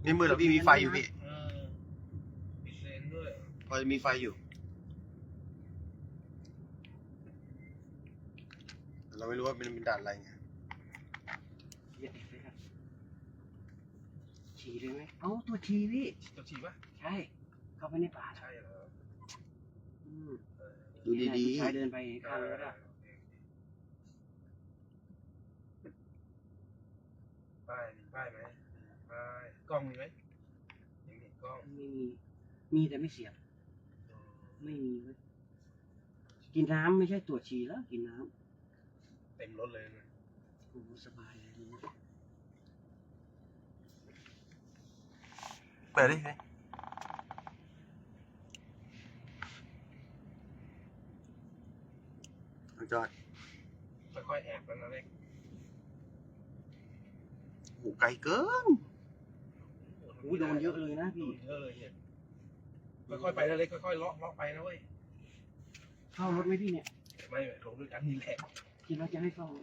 ไม่มืดหรอกพี่มีไฟอยู่พี่ปิดเลนด้วยพอจะมีไฟอยู่แต่เราไม่รู้ว่าเป็นด่านอะไรไงอย่าติดเลยครับฉี่เลยไหมเอ้าตัวฉี่พี่ตัวฉี่ปะใช่เข้าไปในป่าใช่เหรออืมดูดีผู้ชายเดินไปข้างรถอะป้ายไหมป้ายกล้องมีไหมยังมีกล้องไม่มีมีแต่ไม่เสียบไม่มีเว้ยกินน้ำไม่ใช่ตัวฉี่แล้วกินน้เต็มรถเลยนะำโอ้โหสบายเลยๆเปิดดิจอดค่อยๆแอบกันนะเล็กโอ้ไกลเกินอุ้ยโดนเยอะเลยนะพี่เยอะเลยเนี่ยค่อยๆไปนะเล็กค่อยๆเลาะไปนะเว้ยเข้ารถไหมพี่เนี่ยไม่ลงด้วยกันนี่แหละคิดว่าจะให้เข้า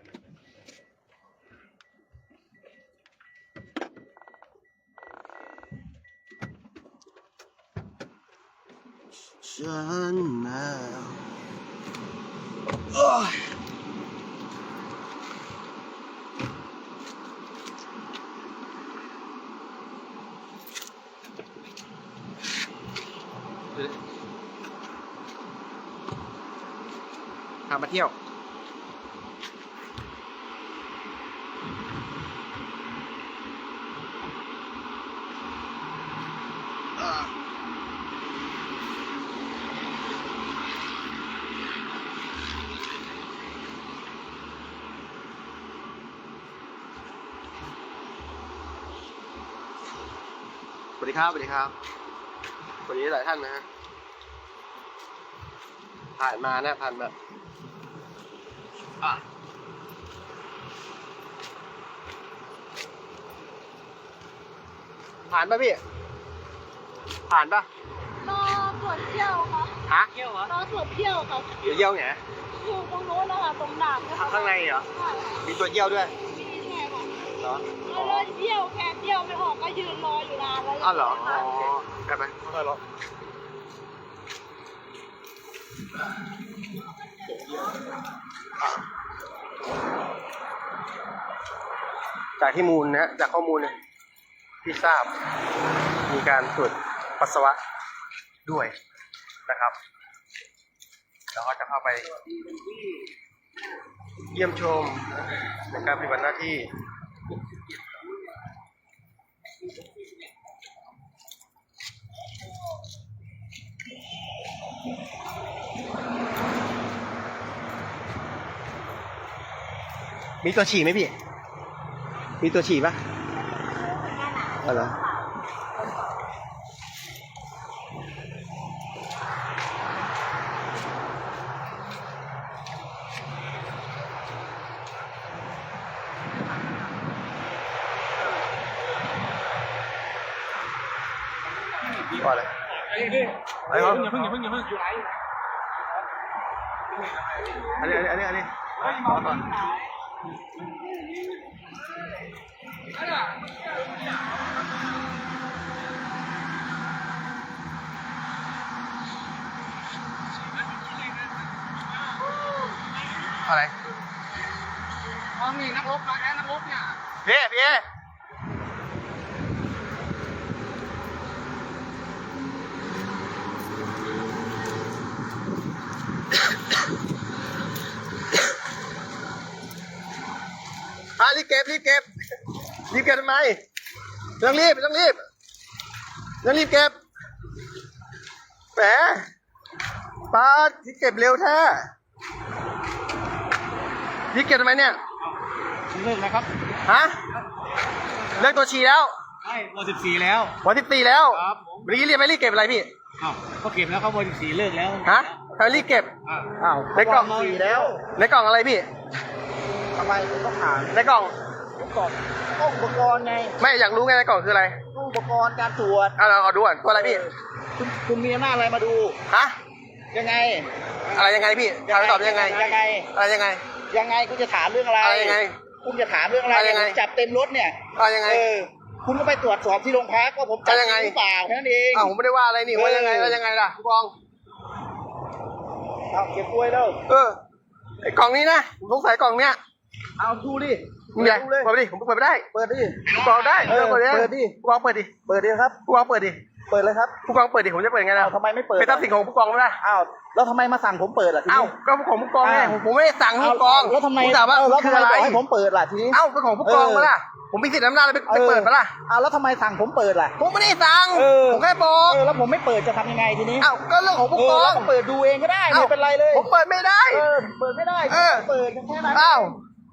ฉันมาพามาเที่ยวสวัสดีครับสวัสดีครับสวัสดีหลายท่านนะฮะผ่านมานะผ่านมาผ่านป่ะพี่ผ่านป่ะรอตรวจเที่ยวค่ะฮะเที่ยวเหรอรอตรวจเที่ยวค่ะเดี๋ยวเยี่ยวไงอยู่ตรงโน้นนะคะตรงด่านนะคะข้างในเหรอใช่มีตัวเยี่ยวด้วยมีแค่ค่ะเหรอแล้วรถเที่ยวแค่เที่ยวไม่ออกก็ยืนรออยู่นานแล้วอ้าวเหรอค่ะไปไปค่อยๆรอจากที่มูลนะจากข้อมูลเนี่ยที่ทราบมีการตรวจปัสสาวะด้วยนะครับแล้วก็จะเข้าไปเยี่ยมชมในการปฏิบัติหน้าที่มีตัวฉี่ไหมพี่ มีตัวฉี่ปะอะไรอว่าอะไรอะไรครับอย่าเพิ่งอยู่ไหนอันนี้รอก่อนอะไรมองนี่นักรบมาแล้วนักรบเนี่ยพี่รีบเก็บทำไมต้องรีบเก็บแหมป้าที่เก็บเร็วแท้รีบเก็บทำไมเนี่ยเลิกแล้วครับฮะเลิกตัวฉี่แล้วใช่เบอร์14แล้ววัน14แล้วครับผมวันนี้รีบไม่รีบเก็บอะไรพี่อ้าวก็เก็บแล้วครับเบอร์14เลิกแล้วฮะทำไมรีบเก็บอ้าวในกล่อง 14แล้วในกล่องอะไรพี่ทำไมผมต้องถามในกล่องก่อนต้องอุปกรณ์ไงไม่อยากรู้ไงในกล่องคืออะไรต้องอุปกรณ์การตรวจเราขอดูก่อนตัวอะไรพี่คุณมีอำนาจอะไรมาดูฮะยังไงอะไรยังไงพี่ถามตอบยังไงยังไงอะไรยังไงยังไงคุณจะถามเรื่องอะไรอะไรยังไงคุณจะถามเรื่องอะไรอะไรยังไงจับเต็มรถเนี่ยอะไรยังไงเออคุณก็ไปตรวจสอบที่โรงพักว่าผมจับจริงหรือเปล่าแค่นั้นเองอ้าวผมไม่ได้ว่าอะไรนี่ว่ายังไงแล้วยังไงล่ะผู้กองเอาเก็บกล้วยแล้วไอ้กล่องนี้นะผมสงสัยกล่องเนี้ยเอาดูดิมีอะไรดูเลยเปิดไปดิผมเปิดไม่ได้เปิดดิผู้กองได้เออเปิดเปิดดิผู้กองเปิดดิเปิดดิครับผู้กองเปิดดิเปิดเลยครับผู้กองเปิดดิผมจะเปิดยังไงล่ะอ้าวทำไมไม่เปิดเป็นทรัพย์สินของผู้กองไม่ได้อ้าวแล้วทำไมมาสั่งผมเปิดล่ะทีนี้อ้าวก็ของผู้กองไงอ้าวผมไม่ได้สั่งให้ผู้กองแล้วทำไมผมถามว่าแล้วคืทำอไมอะไรบอกให้ผมเปิดล่ะทีนี้เอ้าเป็นของผู้กองมาล่ะผมมีสิทธิ์อำนาจอะไรไปเปิดมาล่ะอ้าวแล้วทำไมสั่งผมเปิดล่ะผมไม่ได้สั่งเออผมแค่บอกแล้วผมไม่เปิดจะทำยังไงทีนี้อ้าวก็เรื่องของผู้กองแล้วก็เปิดดูเองก็ได้อ้าวไม่เป็นไรเลยผมเปิดไม่ได้เปิดไม่ได้เออเปิดแค่นั้นอ้าว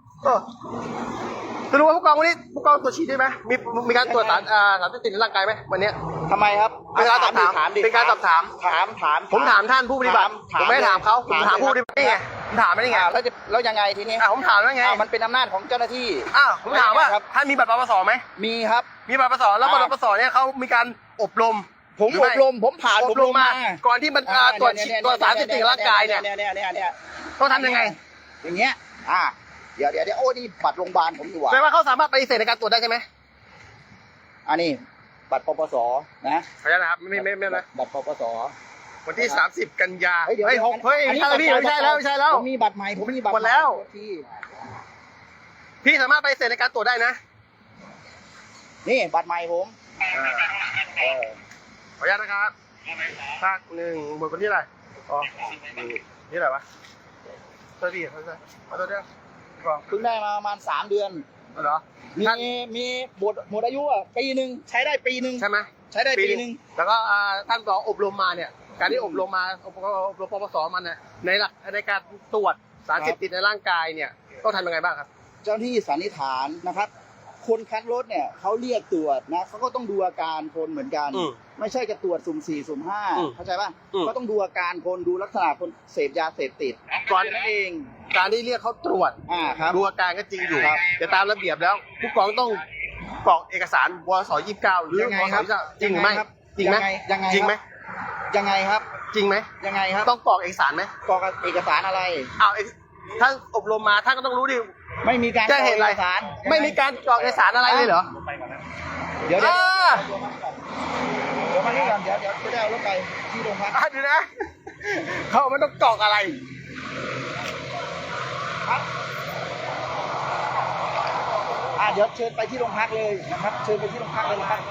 จะรู้ว่าผู้กองวันนี้ผู้กองตรวจฉี่ได้ไหมมีการตรวจสารเสพติดในร่างกายไหมวันเนี้ยทำไมครับเป็นการสอบถามดิเป็นการสอบถามถามผมถามท่านผู้ปฏิบัติถามผมไม่ได้ถามเขาผมถามผู้ปเลยฏิบัตินี่ไงผมถามไม่ได้ไงแล้วยังไงทีนี้ผมถามว่าไงมันเป็นอำนาจของเจ้าหน้าที่ผมถามว่าครับท่านมีบัตรปปสไหมมีครับมีบัตรปปสแล้วบัตรปปสเนี่ยเขามีการอบรมผมหรืออไม่บรมผมผ่านอบรมมาก่อนที่มันตรวจฉี่ตรวจสารเสพติดในร่างกายเนี่ยเนี่ยต้องทำยังไงอย่างเงี้ยเดี๋ยวโอ้นี่บัตรโรงพยาบาลผมอยู่แปลว่าเขาสามารถปฏิเสธในการตรวจได้ใช่ไหมอันนี้บัตรปปสนะขออนุญาตนะครับไม่นะบัตรปปสวันที่ 30 กันยาเฮ้ยเดี๋ยวเฮ้ยไม่ใช่แล้วพี่ไม่ใช่แล้วผมมีบัตรใหม่ผมมีบัตรหมดแล้วที่พี่สามารถปฏิเสธในการตรวจได้นะนี่บัตรใหม่ผมขออนุญาตนะครับภาคหนึ่งบทวันที่อะไรนี่อะไรวะตัวพี่เอาตัวเดียวกองเพิ่งได้มาประมาณ3 เดือนเหรอมีหมดอายุปีหนึ่งใช้ได้ปีหนึ่งใช่ไหมใช้ได้ปีหนึ่งแล้วก็ท่านก็อบรมมาเนี่ย การที่อบรมมาอบรมปปสมันเนี่ยในหลักในการตรวจสารเสพติดในร่างกายเนี่ยต้องทำยังไงบ้างครับเจ้าหน้าที่สันนิษฐานนะครับ คนคัดรถเนี่ยเขาเรียกตรวจนะเขาก็ต้องดูอาการคนเหมือนกัน ไม่ใช่จะตรวจสุ่ม 4 สุ่ม 5เข้าใจป่ะก็ต้องดูอาการคนดูลักษณะคนเสพยาเสพติดก่อนนั่นเองการที่เรียกเขาตรวจครับดูอาการก็จริงอยู่ครับแต่ตามระเบียบแล้วผู้กองต้องกรอกเอกสารวส29หรือยังไงวสครับจริงหรือไม่จริงไหมยังไงจริงไหมยังไงครับจริงไหมยังไงครับต้องกรอกเอกสารไหมกรอกเอกสารอะไรท่านอบรมมาท่านก็ต้องรู้ดิไม่มีการแจ้งเหตุอะไรกกสารไม่มีการกรอกเอกสารอะไรเลยเหรอเดี๋ยวอ่ามานี่ก่อนเดี๋ยวจะได้เอารถไปที่โรงพักดูนะเขาไม่ต้องกรอกอะไรเดี๋ยวเชิญไปที่โรงพักเลยนะครับ เชิญไปที่โรงพักเลยนะครับ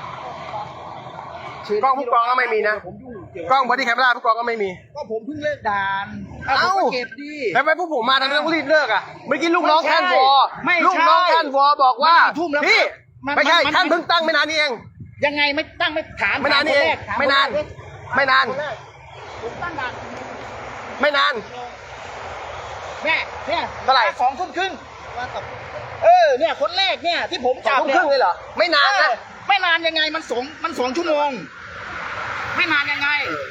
กล้องผู้กองก็ไม่มีนะผมยุ่งเกี่ยวกล้องบอดี้แคมราผู้กองก็ไม่มีก็ผมเพิ่งเลิกด่านเอ้าผมก็เก็บดีแล้วทำไมพวกผมมาทำไมต้องรีบเลิกอ่ะเมื่อกี้ลูกน้องไม่ใช่ท่านวอไม่ใช่ลูกน้องท่านวอบอกว่ามันกี่ทุ่มแล้วพี่มันไม่ใช่มันท่านเพิ่งตั้งไม่นานนี้เองยังไงไม่ตั้งไม่ถามไม่นานนี่เองถคไม่นานคแรกไม่นานคนแรกผมตั้งด่านไม่นานแม่เนี่ยเท่าไหร่ 2 ทุ่มครึ่งเนี่ยคนแรกเนี่ยที่ผมสอจังบทุ่มเนี่ครึ่งเลยเหรอไม่นานนะไม่นานยังไงมัน2 ชั่วโมง ไม่นานยังไง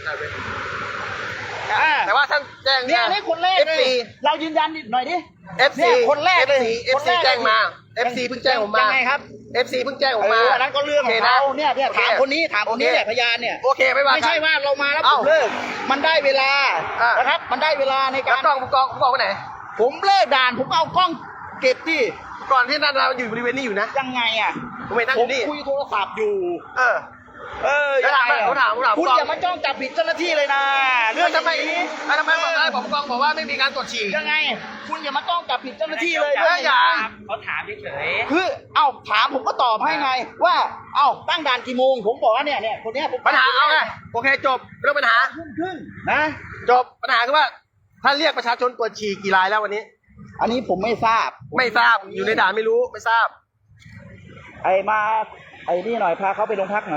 แต่ว่าท่านแจ้งเนี่ยนี่คนแรกเลย FC เรายืนยันนิดหน่อยดิ FC เนี่ยคนแรกเลย FC แจ้งมา FC เพิ่งแจ้งผมมายังไงครับ FC เพิ่งแจ้งผมมาอันนั้นก็เรื่องของเขาเนี่ยถามคนนี้ถามคนนี้แหละพยานเนี่ยโอเคไม่ว่าไม่ใช่ว่าเรามาแล้วผเอ้ามเลิกมันได้เวลาอ่ะนะครับ มันได้เวลาในแล้วการกล้องผู้กองไปไหนผมเลิกด่านผมเอากล้องเก็บที่ก่อนที่นั่นเราอยู่บริเวณนี้อยู่นะยังไงอ่ะผมไม่นั่งผอมยู่นี่คุยโทรศัพท์อยู่แล้วถามยังไงอะผมถามคุณอย่ามาจ้องจับผิดเจ้าหน้าที่เลยนะเรื่องทำไมอย่างนี้ทำไมบอกได้ผมกองบอกว่าไม่มีการตรวจฉี่ยังไง คุณอย่ามาจ้องจับผิดเจ้าหน้าที่เลยอย่าเขาถามเฉยคือถามผมก็ตอบให้ไง ว่าตั้งด่านกี่โมงผมบอกว่าเนี่ยคนเนี้ยผมปัญหาเอาไงโอเคจบเรื่องปัญหาทุ่มครึ่งนะจบปัญหาคือว่าท่านเรียกประชาชนตรวจฉี่กี่รายแล้ววันนี้อันนี้ผมไม่ทราบไม่ทราบอยู่ในด่านไม่รู้ไม่ทราบไอ้นี่หน่อยพาเขาไปโรงพักหน่อย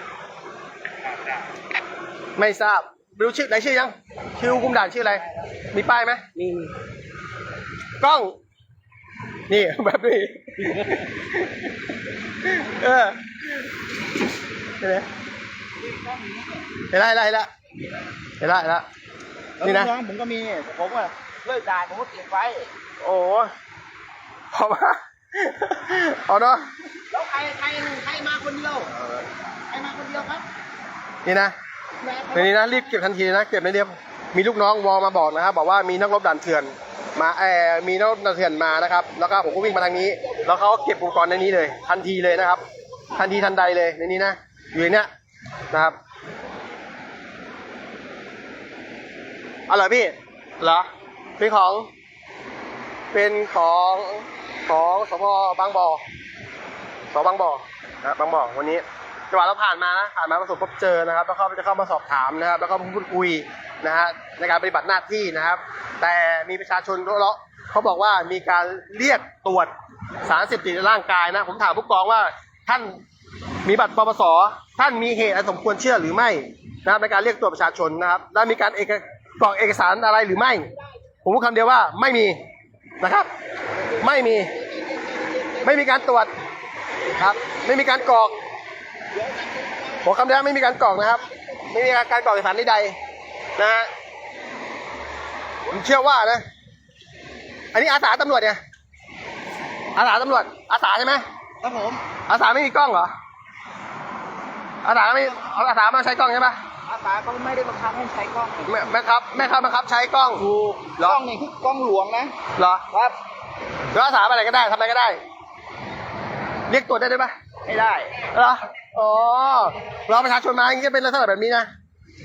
ไม่ทราบรู้ชื่อไหนชื่อยังชื่อคุมด่านชื่ออะไรมีป้ายไหมๆมีกล้อง นี่แบบนี้เห็นไหมเห็นละนี่นะแล้วผมก็มีผมว่าเลิกด่านผมก็เก็บไว้โอ้พอมาเอาเนาะแล้วใครมาคนเดียวใครมาคนเดียวครับนี่นะในนี้นะรีบเก็บทันทีนะเก็บในเดียวมีลูกน้องวอมาบอกนะครับบอกว่ามีนักรบด่านเถื่อนมามีนักรบด่านเถื่อนมานะครับแล้วก็ผมก็วิ่งมาทางนี้แล้วเขาเก็บอุปกรณ์ในนี้เลยทันทีเลยนะครับทันทีทันใดเลยในนี้นะอยู่ในเนี้ยนะครับอ๋อเหรอพี่เหรอเป็นของสพบางบ่อสพบางบ่อนะบางบ่อวันนี้จังหวะเราผ่านมาประสบพบเจอนะครับแล้วเขาจะเข้ามาสอบถามนะครับแล้วก็พูดคุยนะฮะในการปฏิบัติหน้าที่นะครับแต่มีประชาชนเขาบอกว่ามีการเรียกตรวจสารเสพติดในร่างกายนะผมถามผู้กองว่าท่านมีบัตรปปสท่านมีเหตุอันสมควรเชื่อหรือไม่นะครับในการเรียกตรวจประชาชนนะครับและมีการกรอกเอกสารอะไรหรือไม่ผมพูดคำเดียวว่าไม่มีนะครับไม่มีการตรวจครับไม่มีการกรอกผมคำเดียวไม่มีการกรอกนะครับไม่มีการกรอกเอกสารใดๆนะฮะผมเชื่อว่านะอันนี้อาสาตำรวจเนี่ยอาสาตำรวจอาสาใช่ไหมครับผมอาสาไม่มีกล้องเหรออาสามาใช้กล้องใช่ปะอาสาเขาไม่ได้บังคับให้ใช้กล้องแม่ครับบังคับใช้กล้องถูกกล้องนี่คือกล้องหลวงนะเหรอครับแล้วอาสาอะไรก็ได้ทำอะไรก็ได้ เรียกตรวจได้ปะไม่ได้เหรออ๋อเราประชาชนมาอย่างนี้จะเป็นลักษณะแบบนี้นะ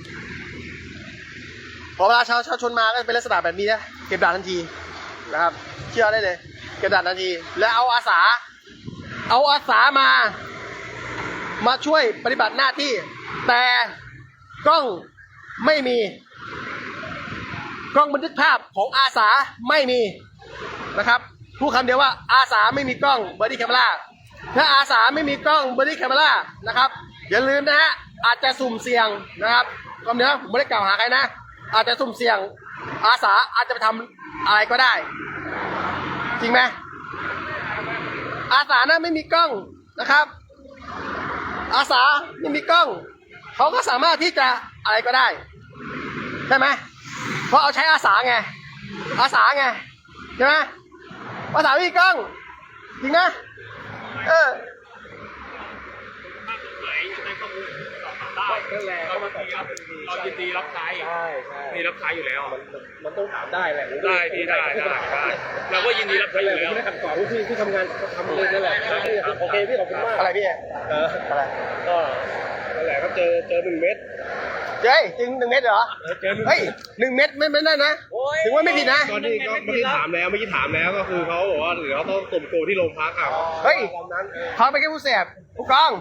พอเวลาชาวชนมาก็เป็นลักษณะแบบนี้นะเก็บด่านทันทีนะครับเชื่อได้เลยเก็บด่านทันทีแล้วเอาอาสามาช่วยปฏิบัติหน้าที่แต่กล้องไม่มีกล้องบันทึกภาพของอาสาไม่มีนะครับพูดคำเดียวว่าอาสาไม่มีกล้องบอดี้แคมเมราถ้าอาสาไม่มีกล้องบอดี้แคมเมรานะครับอย่าลืมนะฮะอาจจะสุ่มเสี่ยงนะครับคำเดียวผมไม่ได้กล่าวหาใครนะอาจจะสุ่มเสี่ยงอาสาอาจจะไปทำอะไรก็ได้จริงไหมอาสานะไม่มีกล้องนะครับอาสาไม่มีกล้องเขาก็สามารถที่จะอะไรก็ได้ใช่ไหมเพราะเอาใช้อาสาไงใช่ไหมอาสาไม่มีกล้องจริงนะเรายินดีรับใช้มีรับใช้อยู่แล้วมันต้องถามได้แหละได้พี่ได้เราก็ยินดีรับใช้อยู่แล้วไม่ได้คำตอบที่ทำงานทำเลยนั่นแหละโอเคพี่ขอบคุณมากอะไรพี่อะไรก็นั่นแหละก็เจอ1 เม็ดเจ๊จริง1 เม็ดเหรอเจอ1 เฮ้ย1 เม็ดไม่ได้นะถึงว่าไม่ผิดนะตอนนี้ก็เมื่อกี้ถามแล้วก็คือเขาบอกว่าเดี๋ยวเขาต้องส่งตัวที่โรงพักอ่ะเฮ้ยเขาไปแค่ผู้เสพผู้กอง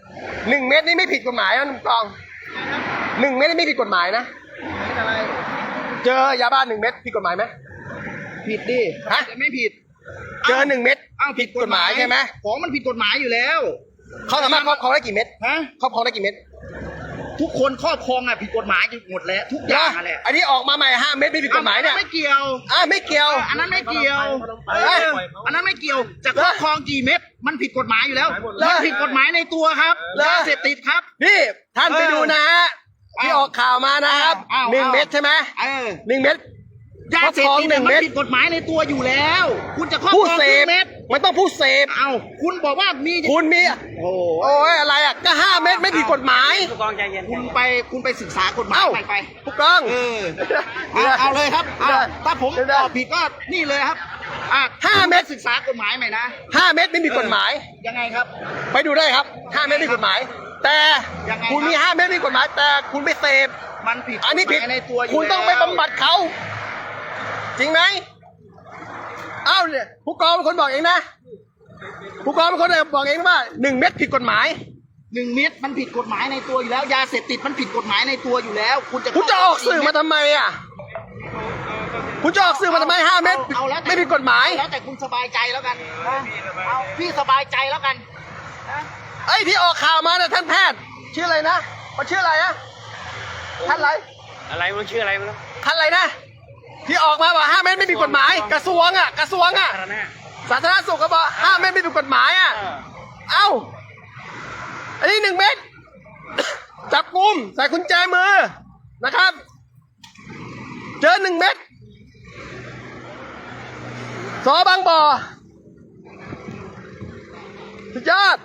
1 เม็ดนี่ไม่ผิดกฎหมายนะผู้กอง1 เม็ดนี่ไม่ผิดกฎหมายนะเจอยาบ้า1 เม็ดผิดกฎหมายไหมผิดดิฮะไม่ผิดเจอ1 เม็ดอ้าวผิดกฎหมายใช่ไหมของมันผิดกฎหมายอยู่แล้วเขาสามารถครอบครองได้กี่เม็ดฮะครอบครองได้กี่เม็ดทุกคนครอบครองอ่ะผิดกฎหมายหมดแล้วทุกอย่างอะแหละอันนี้ออกมาใหม่5 เม็ดไม่ผิดกฎหมายเนี่ยไม่เกี่ยวไม่เกี่ยวอันนั้นไม่เกี่ยวเอ้ยอันนั้นไม่เกี่ยวจะครอบครองกี่เม็ดมันผิดกฎหมายอยู่แล้วเหรอมันผิดกฎหมายในตัวครับเหรอยาเสพติดครับนี่ท่านไปดูนะฮะที่ออกข่าวมานะครับอ้าว 1 เม็ดใช่ไหม 1 เม็ดยาเสพติดครอบครอง1 มันเม็ดผิดกฎหมายในตัวอยู่แล้ว คุณจะครอบผู้ครองเสพกี่เม็ดมันต้องผู้เสพเอาคุณบอกว่ามีคุณมีโอ้โอ้ยอะไรอ่ะก็5 เม็ดไม่ผิดกฎหมายผู้กองใจเย็นคุณไปศึกษากฎหมายเอ้าไปผู้กองเอาเลยครับเอาได้ถ้าผมได้ตอบผิดก็นี่เลยครับ5 เม็ดศึกษากฎหมายใหม่นะ 5 เม็ดไม่มีกฎหมายยังไงครับไปดูได้ครับ5 เม็ดไม่มีกฎหมาย แต่ยังไงคุณมีครับ 5 เม็ดไม่มีกฎหมาย แต่คุณไปเสพมันผิดอันนี้ผิดกฎหมายในตัวอยู่คุณต้องไปแล้วบำบัดเขาจริงไหมเอ้าเนี่ยผู้กองเป็นคนบอกเองนะผู้กองเป็นคนบอกเองว่า1 เม็ดผิดกฎหมาย 1 เม็ดมันผิดกฎหมายในตัวอยู่แล้ว ยาเสพติดมันผิดกฎหมายในตัวอยู่แล้ว คุณจะคุณจะออกสื่อมาทำไมอ่ะคุณจะออกสื่อมาทำไม5 เม็ดเอาแล้วแต่ไม่ผิดกฎหมายแล้วแต่คุณสบายใจแล้วกันนะเอาพี่สบายใจแล้วกันนะไอ้ที่ออกข่าวมาเนี่ยท่านแพทย์ชื่ออะไรนะมันชื่ออะไรนะท่านอะไรอะไรมันชื่ออะไรมันท่านอะไรนะที่ออกมาว่า5 เม็ดไม่ผิดกฎหมายกระทรวงอ่ะสาธารณสุขก็บอก5 เม็ดไม่ผิดกฎหมายอ่ะเอ้าอันนี้1 เม็ด จับกุมใส่กุญแจมือนะครับ เจอ1 เม็ดสบางบ่อสุดยอด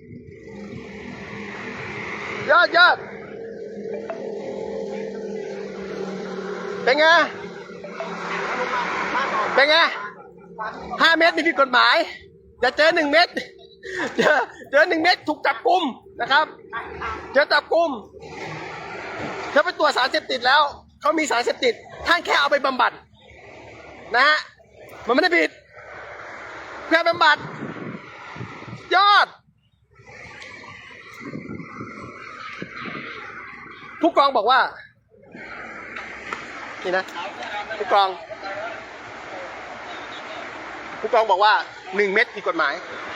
ยอดเป็นไง5 เม็ดนี่ผิดกฎหมายจะเจอ1 เม็ดเจอ1 เม็ดถูกจับกุมนะครับเจอจับกุมเขาไปตรวจสารเสพติดแล้วเขามีสารเสพติดท่านแค่เอาไปบำบัดนะฮะมันไม่ได้ผิดแค่บำบัดยอดผู้กองบอกว่านี่นะผู้กองบอกว่า1 เม็ดผิดกฎหมาย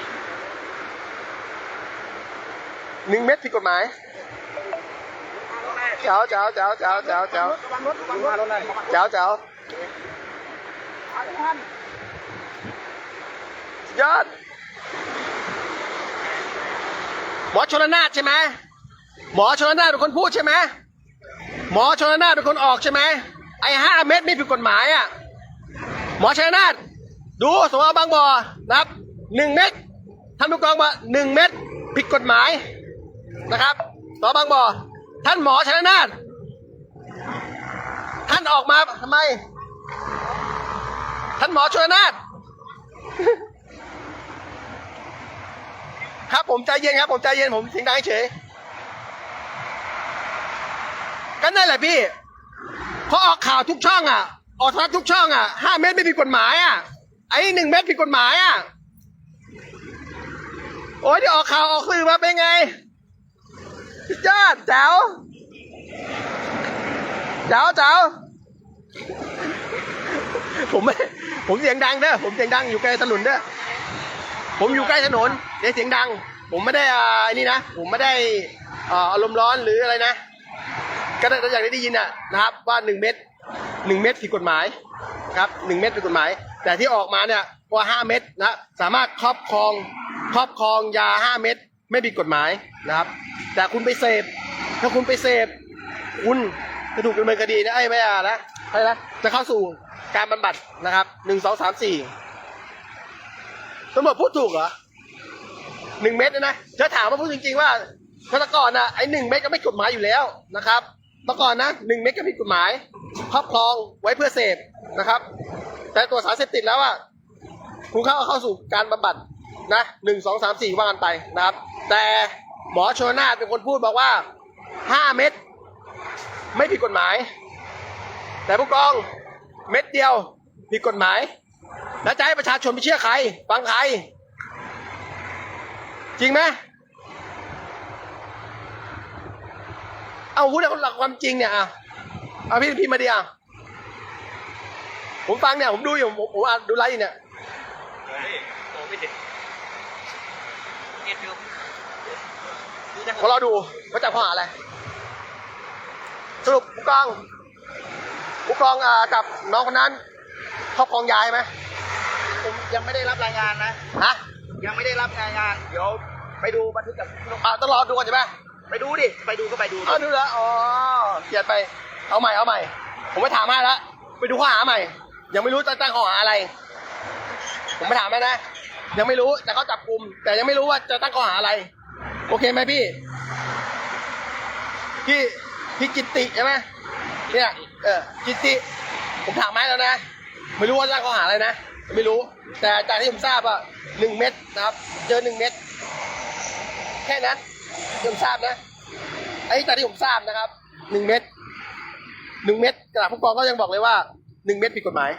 1 เม็ดผิดกฎหมายเจ้ายอดหมอชลนาถใช่ไหมหมอชลนาถเป็นคนพูดใช่ไหมหมอชลนาถเป็นคนออกใช่ไหมไอ้5 เม็ดไม่ผิดกฎหมายอ่ะหมอชลนาถดูสมมติบางบ่อนะครับ1 เม็ดท่านผู้กองว่า1 เม็ดผิดกฎหมายนะครับสมบางบ่อท่านหมอชลนาถท่านออกมาทำไมท่านหมอชลนาถครับผมใจเย็นครับผมใจเย็นผมเสียงดังเฉยก็นั่นแหละพี่พอออกข่าวทุกช่องอ่ะออกโทรทัศน์ทุกช่องอ่ะ5 เม็ดไม่ผิดกฎหมายอ่ะไอ้1 เม็ดผิดกฎหมายอ่ะโอ้ยที่ออกข่าวออกสื่อมาเป็นไงจ้าแจ๋วผมเสียงดังเด้อผมเสียงดังอยู่ใกล้ถนนเด้อผมอยู่ใกล้ถนนเดี๋ยวเสียงดังผมไม่ได้นี่นะผมไม่ได้อารมณ์ร้อนหรืออะไรนะก็อย่างที่ได้ยินนะครับว่า1 เม็ดผิดกฎหมายครับ1 เม็ดผิดกฎหมายแต่ที่ออกมาเนี่ยว่า5 เม็ดนะสามารถครอบครองยา5 เม็ดไม่ผิดกฎหมายนะครับแต่คุณไปเสพถ้าคุณไปเสพคุณจะถูกดำเนินคดีนะไม่นะอะไรนะจะเข้าสู่การบำบัดนะครับ1 2 3 4ตำรวจพูดถูกเหรอ1 เม็ดนะจะถามว่าพูดจริงๆว่าเมื่อก่อนนะไอ้1 เม็ดก็ไม่กฎหมายอยู่แล้วนะครับเมื่อก่อนนะ1 เม็ดก็ผิดกฎหมายครอบครองไว้เพื่อเสพนะครับแต่ตัวสารเสพติดแล้วคุณเข้าสู่การบำบัดนะ1 2 3 4ว่ากันไปนะครับแต่หมอชลนาถเป็นคนพูดบอกว่า5 เม็ดไม่ผิดกฎหมายแต่ผู้กองเม็ดเดียวผิดกฎหมายแล้วจะให้ประชาชนไปเชื่อใครฟังใครจริงไหมเอาพูดในหลักความจริงเนี่ยเอาพี่มาดิผมฟังเนี่ยผมดูอยู่ผมอ่านดูไลฟ์เนี่ยพอเราดูว่าจับข้อหาอะไรสรุปผู้กองกับน้องคนนั้นครอบครองยาใช่ไหมผมยังไม่ได้รับรายงานนะยังไม่ได้รับรายงานเดี๋ยวไปดูบันทึกกับต้องรอดูก่อนใช่ไหมไปดูดิไปดูก็ไปดูดูแล้วเกียดไปเอาใหม่ผมไปถามให้แล้วไปดูข้อหาใหม่ยังไม่รู้จะตั้งข้อหาอะไรผมไปถามให้นะยังไม่รู้แต่เขาจับกุมแต่ยังไม่รู้ว่าจะตั้งข้อหาอะไรโอเคไหมพี่กิตติใช่ไหมเนี่ยกิตติผมถามให้แล้วนะไม่รู้ว่าตั้งข้อหาอะไรนะไม่รู้แต่จากที่ผมทราบ1 เม็ดนะครับเจอ1 เม็ดแค่นั้นที่ผมทราบนะไอ้จากที่ผมทราบนะครับ1 เม็ดกระดาษผู้กองก็ยังบอกเลยว่า1 เม็ดผิดกฎหมาย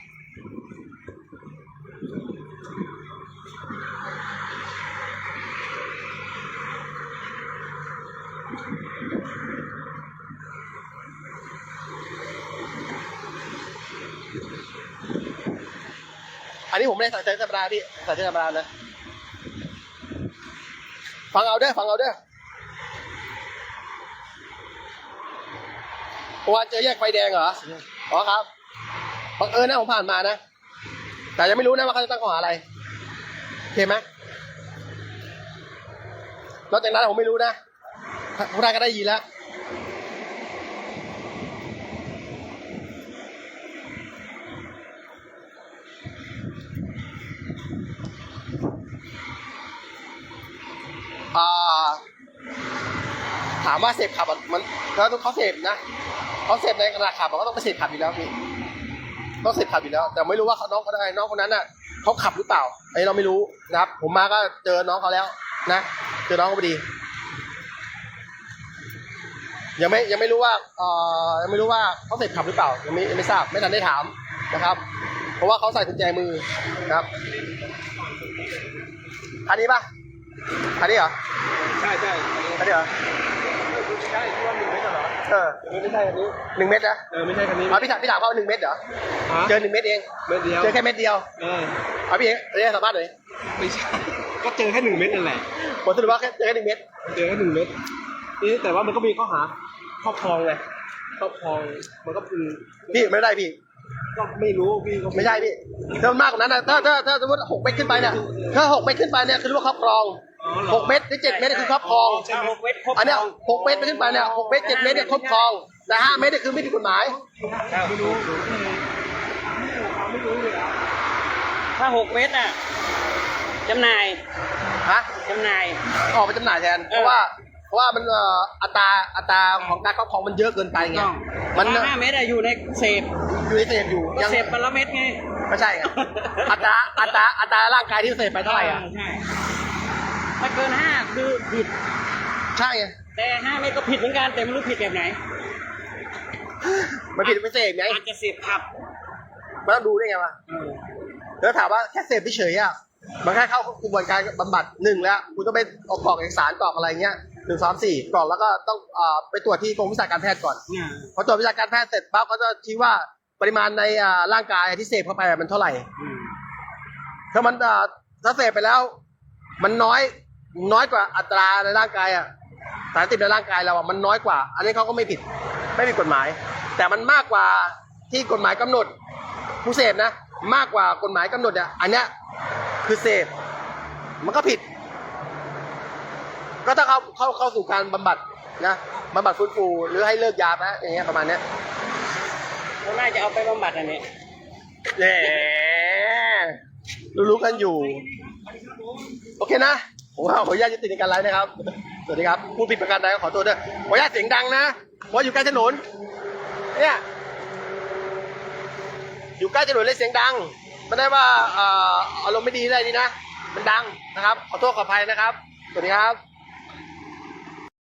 อันนี้ผมไม่ได้สั่งเจอธรรมดาพี่สั่งเจอธรรมดานะฟังเอาเด้อเพราะว่าเจอแยกไฟแดงเหรอครับบังเอิญนะผมผ่านมานะแต่ยังไม่รู้นะว่าเขาจะตั้งข้อหาอะไรโอเคไหมนอกจากนั้นผมไม่รู้นะพวกนายก็ได้ยินแล้วถามว่าเสพขับมันแล้วเขาเสพนะเขาเสพในขณะขับก็ต้องไปเสพขับอยู่แล้วพี่ต้องเสพขับอยู่แล้วแต่ไม่รู้ว่าน้องคนนั้นเขาขับหรือเปล่าอันนี้เราไม่รู้นะครับผมมาก็เจอน้องเขาแล้วนะเจอน้องเขาพอดียังไม่รู้ว่ายังไม่รู้ว่าเขาเสพขับหรือเปล่ายังไม่ทราบไม่ทันได้ถามนะครับ เพราะว่าเขาใส่กุญแจมือนะครับคันนี้ปะคันนี้เหรอใช่ใช่คันนี้เหรอใช่ที่ว่า1 เมตรเหรอไม่ใช่คันนี้1 เม็ดนะไม่ใช่คันนี้พี่ถามเขา1 เม็ดเหรอเจอ1 เม็ดเองเม็ดเดียวเจอแค่เม็ดเดียวพี่เองเรียกสัมภาษณ์หน่อยไม่ใช่ก็เจอแค่1 เม็ดนั่นแหละผลสรุปว่าเจอแค่1 เม็ดเจอแค่1 เม็ดนี่แต่ว่ามันก็มีข้อหาครอบครองไงครอบครองมันก็คือพี่ไม่ได้พี่ก็ไม่รู้พี่ก็ไม่ใช่พี่ถ้ามากกว่านั้นนะถ้าสมมติ6 เม็ดขึ้นไปเนี่ยถ้า6 เม็ดขึ้นไปเนี่ยคือเรียกว่าครอบครอง6 เม็ดหรือ7 เม็ดเนี่ยคือครอบครอง 6 เม็ดครบอันเนี้ย6 เม็ดไปขึ้นไปเนี่ย6 เม็ด7 เม็ดเนี่ยครอบครองแต่5 เม็ดเนี่ยคือไม่ผิดกฎหมายไม่รู้ถ้า 6 เม็ดน่ะจำหน่ายฮะจำหน่ายออกไปจำหน่ายแทนเพราะว่ามันอัตราของการครอบครองมันเยอะเกินไปไงต้องมันแต่ว่า5 เม็ดอะอยู่ในเสพอยู่ในเสพอยู่ก็เสพวันละเม็ดไงไม่ใช่ไงอัตราร่างกายที่เสพไปเท่าไหร่อ่ะใช่ถ้าเกิน 5 คือผิดใช่ไงแต่ 5 เม็ดก็ผิดเหมือนกันแต่ไม่รู้ผิดแบบไหนมันผิดไม่เสพไงอาจจะเสพขับมันต้องดูได้ไงวะแล้วถามว่าแค่เสพเฉยๆอ่ะมันแค่เข้ากระบวนการบำบัด1แล้วคุณต้องไปออกกรอกเอกสารกรอกอะไรเงี้ย1 2 4กรอกแล้วก็ต้องไปตรวจที่กรมวิชาการแพทย์ก่อนพอตรวจวิชาการแพทย์เสร็จปั๊บเขาจะชี้ว่าปริมาณในร่างกายที่เสพเข้าไปมันเท่าไหร่ถ้ามันถ้าเสพไปแล้ว มันน้อยกว่าอัตราในร่างกายอ่ะสารเสพติดในร่างกายเราอ่ะมันน้อยกว่า อันนี้เขาก็ไม่ผิดกฎหมาย แต่มันมากกว่าที่กฎหมายกำหนดผู้เสพนะมากกว่ากฎหมายกำหนดอ่ะอันเนี้ยคือเสพมันก็ผิด ก็ถ้าเข้าสู่การบำบัดนะบำบัดฟื้นฟูหรือให้เลิกยานะอย่างเงี้ยประมาณเนี้ยเขาน่าจะเอาไปบำบัดอันนี้แหมรู้กันอยู่ โอเคนะผมว่าขออนุญาตยุติในการไลฟ์นะครับสวัสดีครับผู้ผิดประการใดก็ขอโทษด้วยขออนุญาตเสียงดังนะเพราะอยู่ใกล้ถนนเนี่ยอยู่ใกล้ถนนเลยเสียงดังไม่ได้ว่าอารมณ์ไม่ดีอะไรนี่นะมันดังนะครับขอโทษขออภัยนะครับสวัสดีครับ